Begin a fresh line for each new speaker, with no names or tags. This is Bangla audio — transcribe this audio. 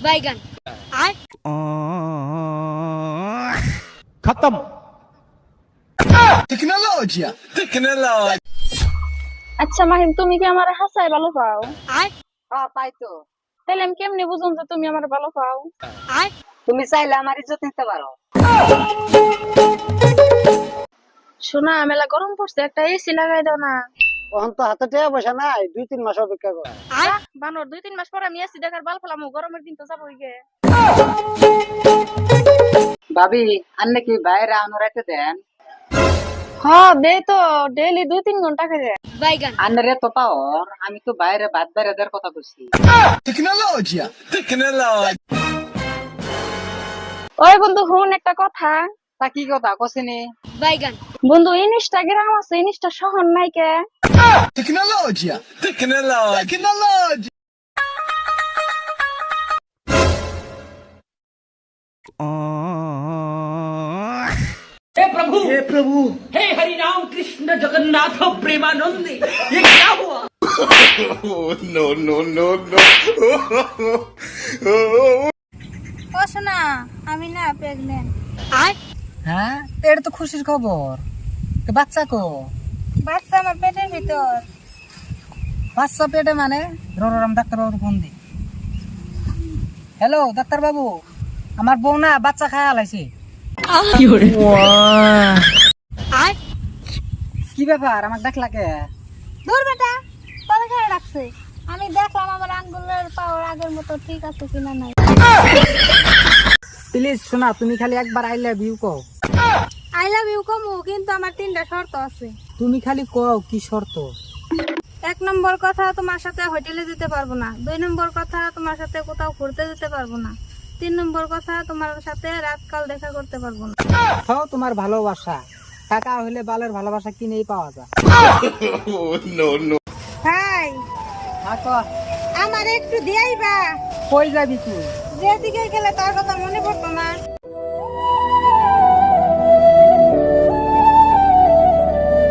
बैगन आय
खत्म।
टेक्नोलॉजी
আচ্ছা মাহিম, তুমি কি আমার হাসাই ভালো পাও?
आय
হ্যাঁ পাই তো।
তাহলে আমি কেমনে বুঝুন যে তুমি আমার ভালো পাও?
आय
তুমি চাইলে আমার ইজ্জত নিতে পারো।
শোনা, মেলা গরম পড়ছে, একটা এসি লাগাই দাও না।
তখন তো হাতে টাকা পয়সা নাই, 2-3 মাস অপেক্ষা কর।
आय
বানর 2-3 মাস পর আমি এসি দেখার বাল ফেলামু, গরমের দিন তো যাবোই গে।
ভাবি আন্নে কি বাইরে আনোরাইতে দেন?
হ্যাঁ দে তো, ডেইলি 2-3 ঘন্টা করে।
बैगन
আন্নারে তো পাওয়ার, আমি তো বাইরে ভাত বাইরে দেওয়ার কথা বলছি।
टेक्नोलॉजी
ওই বন্ধু হুন একটা কথা।
তা কি কথা কছিনি?
बैगन
বন্ধু ইনস্টাগ্রাম আছে, ইনস্টা শহর নাই কে?
टेक्नोलॉजी
हे प्रभु हे हरि राम कृष्ण जगन्नाथ प्रेमानंद ये क्या हुआ।
ও শোনা, আমি না প্রেগন্যান্ট।
आय
হ্যাঁ, এটা তো খুশির খবর। তো বাচ্চা কো?
বাচ্চা আমার পেটের ভিতর।
বাচ্চা পেটে মানে? রোরাম ডাক্তার বাবুর ফোন দি। হ্যালো ডাক্তার বাবু, আমার বউ না বাচ্চা খায় আলাইছে।
आय
কি ব্যাপার, আমাকে ডাকলা কে?
দূর বেটা, তোরে কেন রাখছে? আমি দেখলাম আমার আঙ্গুলের পাওয়ার আগের মতো ঠিক আছে কিনা নাই।
প্লিজ শোনা, তুমি খালি একবার আই লাভ ইউ কও।
আই লাভ ইউ কমু, কিন্তু আমার 3টা শর্ত আছে।
তুমি খালি কও কি শর্ত?
1 নম্বর কথা, তোমার সাথে হোটেলে যেতে পারবো না। 2 নম্বর কথা, তোমার সাথে কোথাও ঘুরতে যেতে পারবো না। 3 নম্বর কথা, তোমার সাথে রাতকাল দেখা করতে পারবো না।
হও তোমার ভালোবাসা, টাকা হইলে বালের ভালোবাসা কিনেই পাওয়া যায়।
ভাই,
আকো
আমার একটু দিয়াইবা।
কই যাবি তুই?
যেদিকে গেলে তার কথা মনে পড়তো না।